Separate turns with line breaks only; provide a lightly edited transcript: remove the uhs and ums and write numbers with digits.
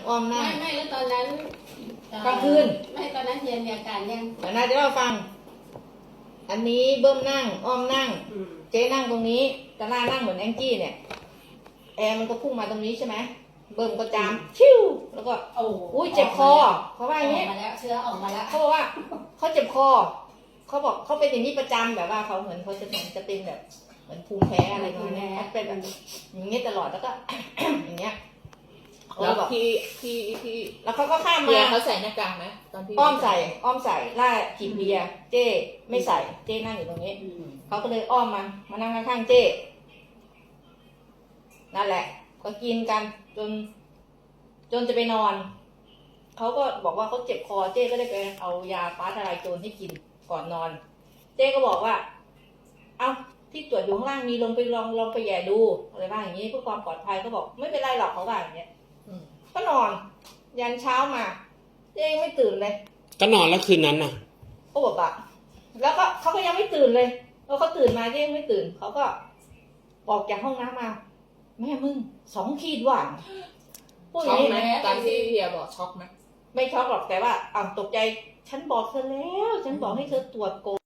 อ้อมนั่ง
ไม่แล้วตอนนั้น
กลางคืน
ไม่ตอนนั้นเฮียมีอาการยัง
แต่น่าจะเล่าฟังอันนี้เบิ้มนั่งอ้อมนั่งเจ๊นั่งตรงนี้ตาหน้านั่งเหมือนแองจี้เนี่ยแอร์มันก็พุ่งมาตรงนี้ใช่ไหมเบิ้มก็จามชิวแล้วก็อุ้ยเจ็บคอเขาว่าอย่างนี้
มาแล้วเชื้อออกมาแล้ว
เขาบอกว่าเขาเจ็บคอเขาบอกเขาเป็นอย่างนี้ประจำแบบว่าเขาเหมือนเขาจะเป็นแบบเหมือนภูมิแพ้อะไรประมาณนี้เป็นแบบอย่างนี้ตลอดแล้วก็ อย่างเงี้ย
แล้วพี่
แล้วเขาก็ข้ามมา
เขาใส่หน้ากากไหมตอนที่
อ้อมใส่ล่าจีบเบียร์เจ้ไม่ใส่เจ้นั่งอยู่ตรงนี้เขาก็เลยอ้อมมานั่งข้างๆเจ้นั่นแหละก็กินกันจนจะไปนอนเขาก็บอกว่าเขาเจ็บคอเจ้ก็ได้ไปเอายาฟ้าทลายโจรให้กินก่อนนอนเจ้ก็บอกว่าเอาที่ตรวจอยู่ข้างล่างมีลองไปแย่ดูอะไรบ้างอย่างนี้เพื่อความปลอดภัยเขาบอกไม่เป็นไรหรอกเขาว่าอย่างเงี้ยก็นอนยันเช้ามาเจ๊ไม่ตื่นเลย
ก็นอนแล้วคืนนั้นน่ะ
เขาบอกว่าแล้วก็เขาก็ยังไม่ตื่นเลยแล้วเขาตื่นมาเจ๊ไม่ตื่นเขาก็ออกจากห้องน้ำมาแม่มึง2 ขีดหว่าง
พูดอย่างนี้ไหมตอนที่เฮียบอกช็อกไหม
ไม่ช็อกหรอกแต่ว่าตกใจฉันบอกเธอแล้วฉันบอกให้เธอตรวจโก